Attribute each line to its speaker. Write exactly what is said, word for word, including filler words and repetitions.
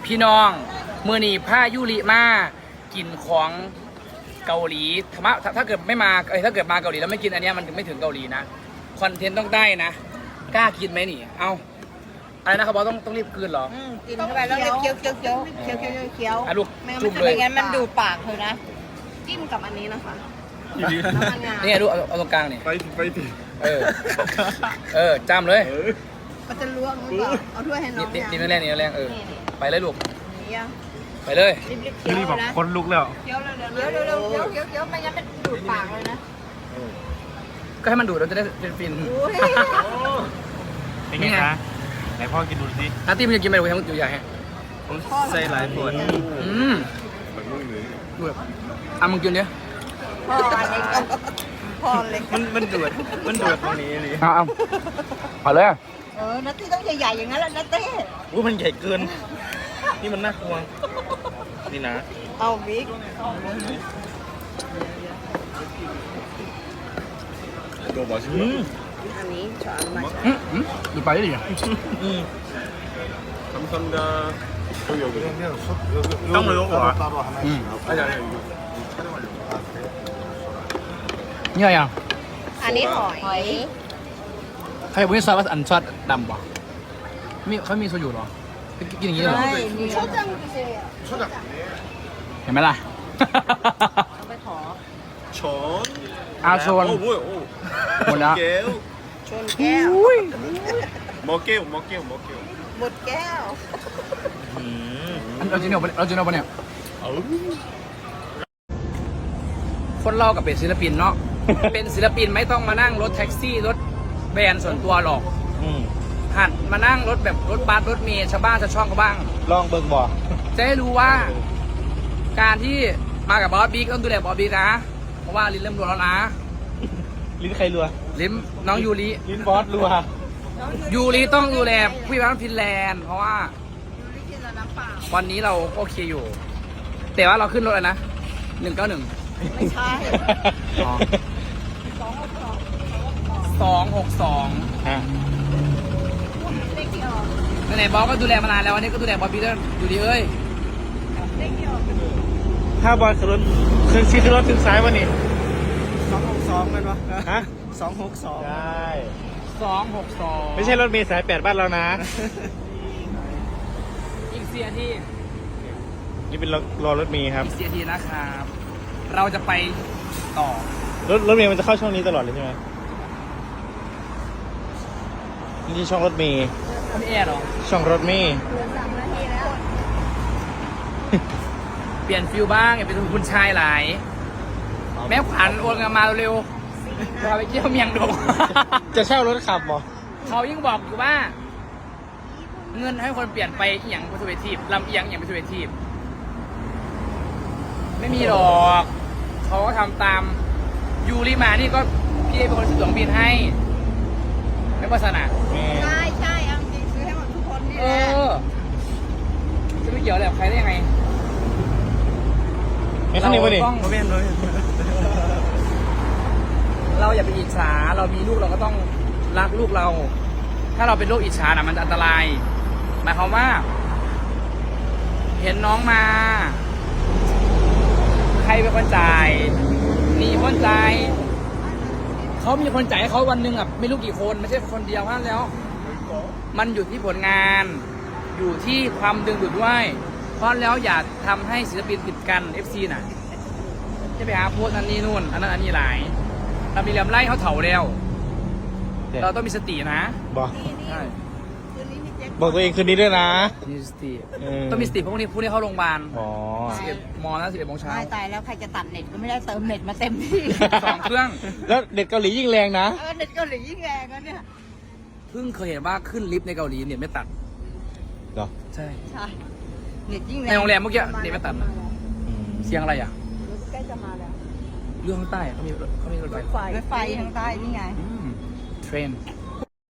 Speaker 1: พี่น้องมือนีผ้ายุริมากินของเกาหลีธรรมะถ้าเกิดไม่มาเอ้ยถ้าเกิดมาเกาหลีแล้วไม่กินอันเนี้ยมันถึงไม่ถึงเกาหลีนะคอนเทนต์ต้องได้นะกล้ากินไหมนี่เอาอะไรนะครับบอสต้องต้องรีบคืนเหรอ
Speaker 2: อืมกินเข้าไปแล้วเคี้ยวเคี้ยวเคี้ยวเคี้ยวเคี้ยวเคี้ยว
Speaker 1: อ่ะลูก
Speaker 2: ไม่
Speaker 1: จุ่มเลย
Speaker 2: ไม่งั้นมันดูปากเธอนะจิ้มกับอันนี้นะคะน้ำมันงา
Speaker 1: นี่ไงลูกเอาเอาตรงกลางนี่
Speaker 3: ไปไปดิ
Speaker 1: เออเออจำเลย
Speaker 3: เออ
Speaker 2: มันจะล่วงหรือเปล่าเอาถ้วยให้น้
Speaker 1: นี่
Speaker 2: อง
Speaker 1: นี่
Speaker 2: ยัง
Speaker 1: นี่แรงนี่แรงเออไปเลยลูก
Speaker 2: นี่ยัง
Speaker 1: ไปเลย
Speaker 2: รีบๆเคี้ยว
Speaker 3: นี่บอก
Speaker 2: นะ
Speaker 3: คนลุกแล้ว
Speaker 2: เคี้ยวเร็วๆเร็วๆเร็วๆเคี้ยวเคี้ยวเคี้ยวไม่งั้นมันดูดปากเลยนะ
Speaker 1: ก็ให้มันดูดเราจะได้เป็นฟิน
Speaker 2: อุ้ย
Speaker 3: เป็นไงคะไหนพ่อกินดูสิ
Speaker 1: นัตตี้มันจะกินไปดูทั้งตัวใหญ่ฮะ
Speaker 3: ผมใส่หลายผล
Speaker 1: อืมดูแบบอ่ะมึงกินเนี้ย
Speaker 2: พ่ออันนี้ก็พ่อเล็ก
Speaker 3: มันมันดูดมันดูดตรงนี้เลย
Speaker 1: เอาเอาเอาเลย
Speaker 2: เออนัตตี้ต้องใหญ่ๆอย่างนั้นแหละนัตตี้
Speaker 3: อู้มันใหญ่เกิน นี่มันน่ากลัว นี่นะ
Speaker 2: เอาบิ๊ก
Speaker 3: โดบอชิอืม
Speaker 2: อันนี้ช้อนมา
Speaker 1: อืมอืมดูไปได้ดิ
Speaker 3: อืม
Speaker 4: 감사합니다. 여기 여기.
Speaker 3: 떡 먹어 봐.
Speaker 4: 따로 하나씩.
Speaker 1: 음.
Speaker 4: 아니 아니 이거 촬영하려고.
Speaker 1: เนี่ยยัง
Speaker 2: อันนี้หอย
Speaker 1: ใครบอกว่าซอสอันซอสดำป่ะมีเขามีโซยุเหรอกินอย่างนี้เหรอ
Speaker 2: ใช่นี่초장 주세요
Speaker 4: 초장.
Speaker 1: เห็นไหมล่ะ
Speaker 2: เอาไปขอ
Speaker 4: 전.
Speaker 1: อาโซน
Speaker 4: 어 뭐야? 어.
Speaker 1: 뭐냐?
Speaker 4: 먹게요.
Speaker 2: ชนแก้ว
Speaker 4: 먹게요. 먹게요. 먹게요.
Speaker 2: หมดแก้ว
Speaker 3: อืม
Speaker 1: เราจริงเหรอเราจริงเหรอปะเนี่ย
Speaker 4: 아우.
Speaker 1: คนเรากับเป็นศิลปินเนาะ เป็นศิลปินไม่ต้องมานั่งรถแท็กซี่รถแบรนด์ส่วนตัวหรอก
Speaker 3: อืม
Speaker 1: หัดมานั่งรถแบบรถบัสรถเมล์ชาวบ้านชาวช่องเขาบ้าง
Speaker 3: ลองเบิ่งบ่
Speaker 1: จะให้รู้ว่า การที่มากับบอสบิ๊กต้องดูแลบอสบิ๊กนะ เพราะว่าลิ้นเริ่มรัวแล้วนะ
Speaker 3: ลิ้นใครรัว
Speaker 1: ลิ้นน้องยูริ
Speaker 3: ลิ้นบอสรัว
Speaker 1: ยูริต้องดูแลผู้พิพากษาฟินแลนด์เพราะว่า วันนี้เราก็โอเคอยู่ แต่ว่าเราขึ้นรถอะไรนะหนึ่งเก้าหนึ่ง
Speaker 2: ไม่ใช่
Speaker 1: สองหกสอง
Speaker 3: อ่ะ
Speaker 2: เลขที่ออก
Speaker 1: ไหนๆบอสก็ดูแลมานานแล้ววันนี้ก็ดูแลบอสบิ๊กด้วยยูริเอ้ย
Speaker 2: เลขที่ออก
Speaker 3: ถ้าบอสขึ้นรถขึ้นซีขึ้นรถถึงซ้ายวันนี้
Speaker 5: สองหกสองกันวะ
Speaker 3: ฮะ
Speaker 5: สองหกสอง
Speaker 3: ใช่
Speaker 1: สองหกสอง
Speaker 3: ไม่ใช่รถเมล์สายแปดบ้านเรานะ
Speaker 1: อีกเสียที่
Speaker 3: นี่เป็นรอรอรถเมล์ครับ
Speaker 1: อีกเสียทีนะครับ เราจะไปต่อ
Speaker 3: รถรถเมล์มันจะเข้าช่องนี้ตลอดเลยใช่ไหมนี่ช่องรถเมล์
Speaker 1: เขามีแอร์เหรอ
Speaker 3: ช่องรถเมล์
Speaker 2: เหลือสามนาทีแล้ว
Speaker 1: เปลี่ยนฟิลบ้างอย่าเป็นคุณชายหลาย แม่ขวัญโอนเงินมาเร็วๆเราไปเที่ยวเมียงดง
Speaker 3: จะเช่ารถขับบ่
Speaker 1: เขายิ่งบอกอยู่ว่า เงินให้คนเปลี่ยนไปอหย่างเป็นสุเวทีฟลำเอียงอหย่างเป็นสุเวทีฟไม่มีหรอก เขาก็ทำตามยูริมานี่ก็พี่ได้เป็นคนซื้อตั๋วเครื่องบินให้ ไม่โฆษณา
Speaker 3: แม่
Speaker 2: ใช่ใช่เอาจริงซื้อให้หมดทุกคนนี่
Speaker 1: เอ
Speaker 2: แหละ
Speaker 1: อ จะไม่เกี่ยวอะไรกับใครได้ยังไง
Speaker 3: ไม่ข้างนี้วะนี่
Speaker 1: เราต้อง
Speaker 3: โมเมนต์เลย
Speaker 1: เราอย่าไปอิจฉา เรามีลูกเราก็ต้องรักลูกเรา ถ้าเราเป็นโรคอิจฉาน่ะมันอันตราย หมายความว่า เห็นน้องมา ใครเป็นคนจ่ายหนีคนจ่ายเขามีคนจ่ายให้เขาวันหนึ่งอ่ะไม่รู้กี่คนไม่ใช่คนเดียวนั่นแล้ว มันอยู่ที่ผลงาน อยู่ที่ความดึงดูดด้วย เพราะแล้วอย่าทำให้ศิลปินติดกัน เอฟ ซี น่ะ จะไปหาโพสต์อันนี้นู่น อันนั้นอันนี้หลาย เรามีเหลี่ยมไล่เขาเถาแล้ว เราต้องมีสตินะ
Speaker 3: บอก
Speaker 1: ใช่
Speaker 2: คืนนี้พี่แจ็ค
Speaker 3: บอกตัวเองคืนนี้ด้วยนะ
Speaker 1: มีสติ
Speaker 3: เออ
Speaker 1: ต้องมีสติเพราะพวกนี้พวกนี้เข้าโรงพยาบาล
Speaker 3: อ๋อ
Speaker 1: สิบเอ็ดโมงนะสิบเอ็ดโมงเช้า
Speaker 2: ตายตายแล้วใครจะตัดเน็ตก็ไม่ได้เติมเน็ตมาเต็มที่
Speaker 1: สองเครื่อง
Speaker 3: แล้วเด็กเกาหลียิ่งแรงนะ
Speaker 2: เออเน็ตเกาหลียิ่งแรงแล้วเนี่ย
Speaker 1: เพิ่งเคยเห็นว่าขึ้นลิฟต์ในเกาหลีเนี่ยไม่ตัด
Speaker 3: เหรอ
Speaker 1: ใช่
Speaker 2: ใช่เน็ตยิ่งแรง
Speaker 1: ในโรงแรมเมื่อกี้เน็ตไม่ตัดนะ
Speaker 3: อืม
Speaker 1: เสียงอะไรอ่ะ
Speaker 2: รถใกล้จะมาแล้ว
Speaker 1: เรื่องข้างใต้อะเขามีรถเขามีรถไฟ
Speaker 2: รถไฟทางใต้นี่ไง
Speaker 1: อืมเทรน
Speaker 2: เ